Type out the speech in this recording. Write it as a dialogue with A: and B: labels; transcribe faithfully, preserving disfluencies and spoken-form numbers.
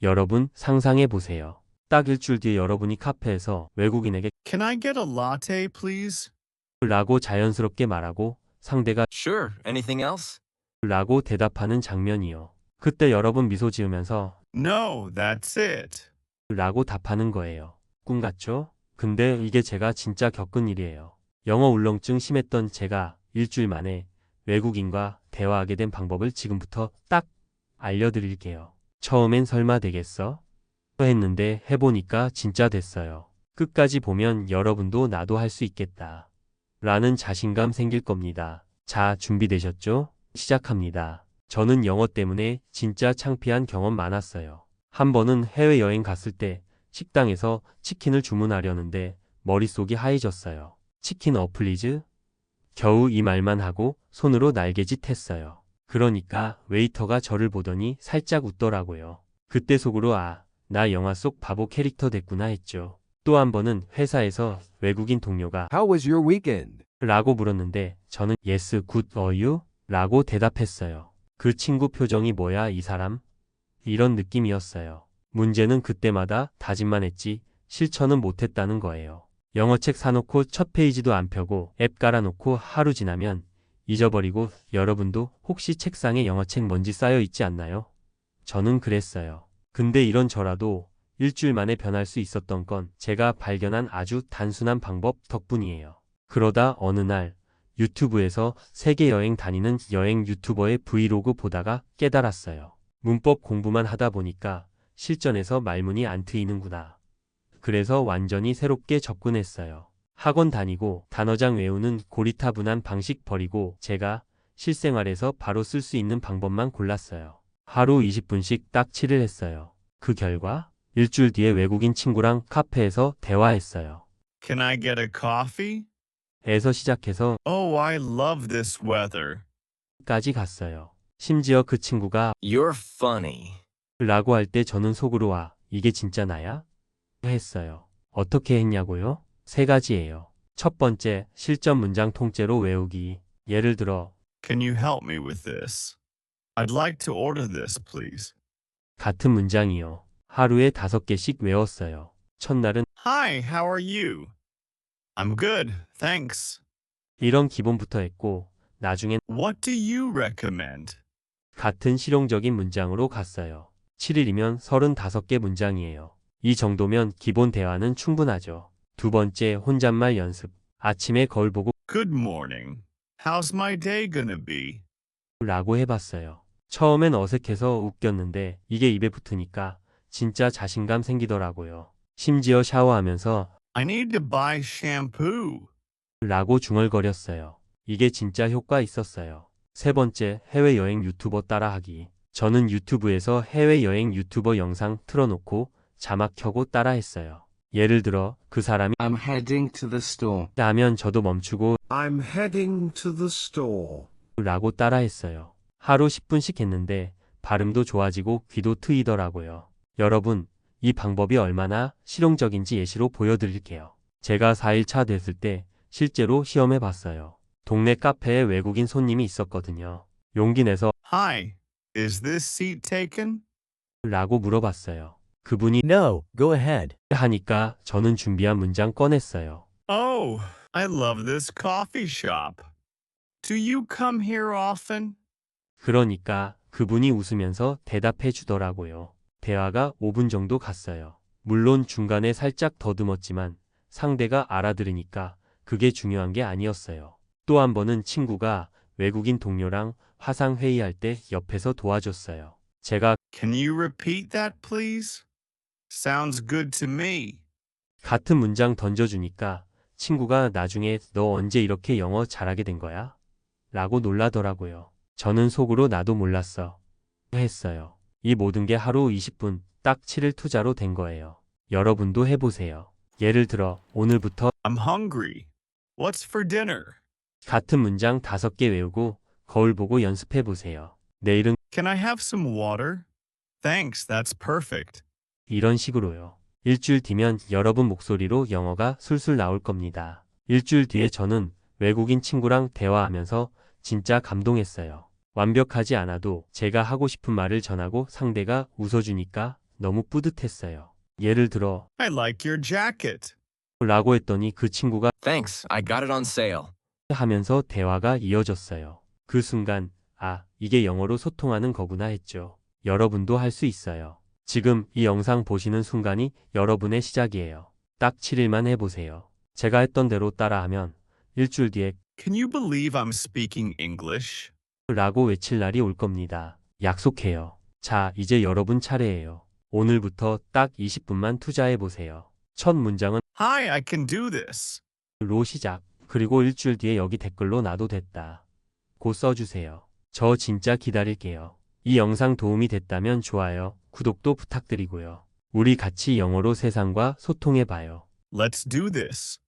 A: 여러분 상상해 보세요. 딱 일주일 뒤에 여러분이 카페에서 외국인에게
B: Can I get a latte, please?
A: 라고 자연스럽게 말하고 상대가
C: Sure. Anything else?
A: 라고 대답하는 장면이요. 그때 여러분 미소 지으면서
B: No, that's it.
A: 라고 답하는 거예요. 꿈 같죠? 근데 이게 제가 진짜 겪은 일이에요. 영어 울렁증 심했던 제가 일주일 만에 외국인과 대화하게 된 방법을 지금부터 딱 알려드릴게요. 처음엔 설마 되겠어? 했는데 해보니까 진짜 됐어요. 끝까지 보면 여러분도 나도 할 수 있겠다. 라는 자신감 생길 겁니다. 자, 준비되셨죠? 시작합니다. 저는 영어 때문에 진짜 창피한 경험 많았어요. 한 번은 해외여행 갔을 때 식당에서 치킨을 주문하려는데 머릿속이 하얘졌어요. 치킨 어플리즈? 겨우 이 말만 하고 손으로 날개짓 했어요. 그러니까 웨이터가 저를 보더니 살짝 웃더라고요. 그때 속으로 아, 나 영화 속 바보 캐릭터 됐구나 했죠. 또 한 번은 회사에서 외국인 동료가
D: How was your weekend?
A: 라고 물었는데 저는 Yes, good, are you? 라고 대답했어요. 그 친구 표정이 뭐야 이 사람? 이런 느낌이었어요. 문제는 그때마다 다짐만 했지 실천은 못했다는 거예요. 영어책 사놓고 첫 페이지도 안 펴고 앱 깔아놓고 하루 지나면 잊어버리고 여러분도 혹시 책상에 영어책 먼지 쌓여 있지 않나요? 저는 그랬어요. 근데 이런 저라도 일주일 만에 변할 수 있었던 건 제가 발견한 아주 단순한 방법 덕분이에요. 그러다 어느 날 유튜브에서 세계 여행 다니는 여행 유튜버의 브이로그 보다가 깨달았어요. 문법 공부만 하다 보니까 실전에서 말문이 안 트이는구나. 그래서 완전히 새롭게 접근했어요. 학원 다니고 단어장 외우는 고리타분한 방식 버리고 제가 실생활에서 바로 쓸 수 있는 방법만 골랐어요. 하루 이십 분씩 딱 칠 일 했어요. 그 결과 일주일 뒤에 외국인 친구랑 카페에서 대화했어요.
B: Can I get a coffee?
A: 에서 시작해서
B: Oh, I love this weather.
A: 까지 갔어요. 심지어 그 친구가
C: You're funny.
A: 라고 할 때 저는 속으로 와, 이게 진짜 나야? 했어요. 어떻게 했냐고요? 세 가지예요. 첫 번째, 실전 문장 통째로 외우기. 예를 들어
B: Can you help me with this? I'd like to order this, please.
A: 같은 문장이요. 하루에 다섯 개씩 외웠어요. 첫날은
B: Hi, how are you? I'm good, thanks.
A: 이런 기본부터 했고 나중엔
B: What do you recommend?
A: 같은 실용적인 문장으로 갔어요. 칠 일이면 서른다섯 개 문장이에요. 이 정도면 기본 대화는 충분하죠. 두 번째, 혼잣말 연습. 아침에 거울 보고
B: Good morning. How's my day gonna be?
A: 라고 해봤어요. 처음엔 어색해서 웃겼는데 이게 입에 붙으니까 진짜 자신감 생기더라고요. 심지어 샤워하면서
B: I need to buy shampoo.
A: 라고 중얼거렸어요. 이게 진짜 효과 있었어요. 세 번째, 해외여행 유튜버 따라하기. 저는 유튜브에서 해외여행 유튜버 영상 틀어놓고 자막 켜고 따라했어요. 예를 들어 그 사람이
E: I'm heading to the store.
A: 하면 저도 멈추고
E: I'm heading to the store.
A: 라고 따라했어요. 하루 십 분씩 했는데 발음도 좋아지고 귀도 트이더라고요. 여러분, 이 방법이 얼마나 실용적인지 예시로 보여드릴게요. 제가 사 일 차 됐을 때 실제로 시험해 봤어요. 동네 카페에 외국인 손님이 있었거든요. 용기 내서
B: Hi, is this seat taken?
A: 라고 물어봤어요. 그분이
F: No, go ahead.
A: 하니까 저는 준비한 문장 꺼냈어요.
B: Oh, I love this coffee shop. Do you come here often?
A: 그러니까 그분이 웃으면서 대답해 주더라고요. 대화가 오 분 정도 갔어요. 물론 중간에 살짝 더듬었지만 상대가 알아들으니까 그게 중요한 게 아니었어요. 또 한 번은 친구가 외국인 동료랑 화상 회의할 때 옆에서 도와줬어요. 제가
B: Can you repeat that, please? Sounds good to me.
A: 같은 문장 던져주니까 친구가 나중에 너 언제 이렇게 영어 잘하게 된 거야? 라고 놀라더라고요. 저는 속으로 나도 몰랐어. 했어요. 이 모든 게 하루 이십 분, 딱 칠 일 투자로 된 거예요. 여러분도 해보세요. 예를 들어 오늘부터
B: I'm hungry. What's for dinner?
A: 같은 문장 다섯 개 외우고 거울 보고 연습해 보세요. 내일은
B: Can I have some water? Thanks, that's perfect.
A: 이런 식으로요. 일주일 뒤면 여러분 목소리로 영어가 술술 나올 겁니다. 일주일 뒤에 저는 외국인 친구랑 대화하면서 진짜 감동했어요. 완벽하지 않아도 제가 하고 싶은 말을 전하고 상대가 웃어주니까 너무 뿌듯했어요. 예를 들어,
B: I like your jacket.
A: 라고 했더니 그 친구가
C: Thanks, I got it on sale.
A: 하면서 대화가 이어졌어요. 그 순간, 아, 이게 영어로 소통하는 거구나 했죠. 여러분도 할 수 있어요. 지금 이 영상 보시는 순간이 여러분의 시작이에요. 딱 칠 일만 해보세요. 제가 했던 대로 따라하면 일주일 뒤에
B: Can you believe I'm speaking English?
A: 라고 외칠 날이 올 겁니다. 약속해요. 자, 이제 여러분 차례예요. 오늘부터 딱 이십 분만 투자해 보세요. 첫 문장은
B: Hi, I can do this.
A: 로 시작. 그리고 일주일 뒤에 여기 댓글로 나도 됐다. 고 써주세요. 저 진짜 기다릴게요. 이 영상 도움이 됐다면 좋아요, 구독도 부탁드리고요. 우리 같이 영어로 세상과 소통해 봐요.
B: Let's do this.